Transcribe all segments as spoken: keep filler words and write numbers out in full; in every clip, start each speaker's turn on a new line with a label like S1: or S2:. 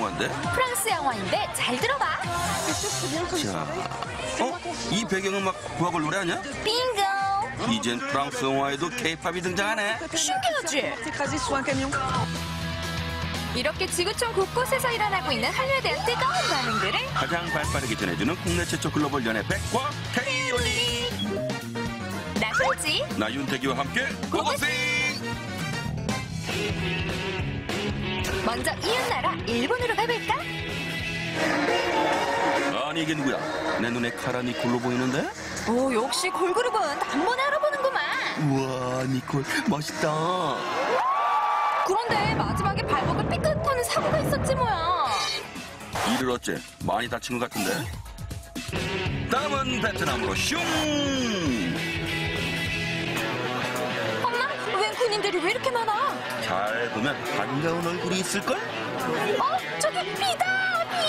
S1: 영화인데?
S2: 프랑스 영화인데 잘 들어봐.
S1: 자, 어? 이 배경음악 부하걸 노래 아니야?
S2: 빙고.
S1: 이젠 프랑스 영화에도 케이팝이 등장하네.
S2: 신기하지? 이렇게 지구촌 곳곳에서 일어나고 있는 한류에 대한 뜨거운 반응들을
S1: 가장 발빠르게 전해주는 국내 최초 글로벌 연예 백과 K-올리.
S2: 나 솔지.
S1: 나 윤태기와 함께 고고싱!
S2: 먼저 이웃나라 일본으로 가볼까?
S1: 아니 이게 누구야? 내 눈에 카라 니콜로 보이는데?
S2: 오, 역시 걸그룹은 단번에 알아보는구만.
S1: 우와 니콜 멋있다.
S2: 그런데 마지막에 발목을 삐끗하는 사고가 있었지 뭐야.
S1: 이를 어째 많이 다친 것 같은데? 다음은 베트남으로 슝!
S2: 엄마, 웬 군인들이 왜 이렇게 많아?
S1: 잘 보면 반가운 얼굴이 있을걸?
S2: 어? 저기 비다! 비!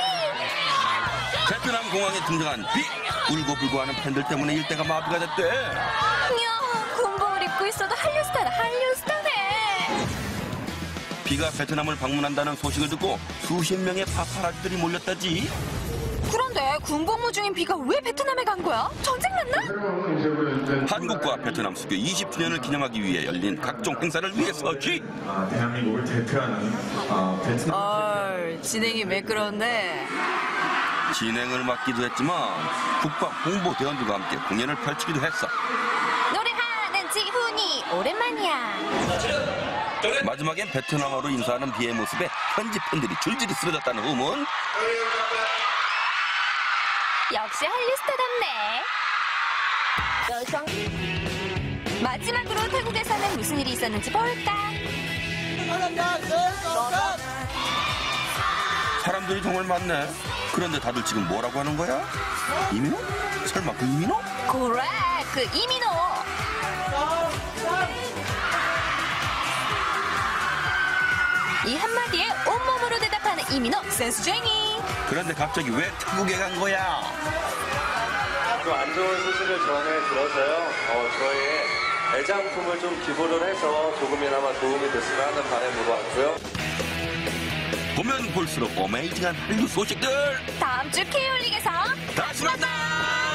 S1: 베트남 공항에 등장한 비! 울고불고하는 팬들 때문에 일대가 마비가 됐대.
S2: 이야, 군복을 입고 있어도 한류스타다, 한류스타네.
S1: 비가 베트남을 방문한다는 소식을 듣고 수십 명의 파파라치들이 몰렸다지.
S2: 그런데 군복무 중인 비가 왜 베트남에 간 거야? 전쟁 났나?
S1: 한국과 베트남 수교 이십 주년을 기념하기 위해 열린 각종 행사를 위해서지.
S3: 아, 대한민국을 대표하는 아, 베트남
S2: 얼, 진행이 매끄러운데.
S1: 진행을 맡기도 했지만 국방 홍보대원들과 함께 공연을 펼치기도 했어.
S2: 노래하는 지훈이 오랜만이야.
S1: 마지막엔 베트남어로 인사하는 비의 모습에 현지 팬들이 줄줄이 쓰러졌다는 후문.
S2: 역시 한류스타답네. 마지막으로 태국에서는 무슨 일이 있었는지 볼까?
S1: 사람들이 정말 많네. 그런데 다들 지금 뭐라고 하는 거야? 이민호? 설마 그 이민호?
S2: 그래, 그 이민호. 이 한마디에 온몸으로 대답하는 이민호 센스쟁이.
S1: 그런데 갑자기 왜 태국에 간 거야?
S4: 좀 안 좋은 소식을 전해 들어서요. 어, 저희의 애장품을 좀 기부를 해서 조금이나마 도움이 됐으면 하는 바람으로 왔고요.
S1: 보면 볼수록 어메이징한 한류 소식들.
S2: 다음 주 K-올릭에서
S1: 다시 만나!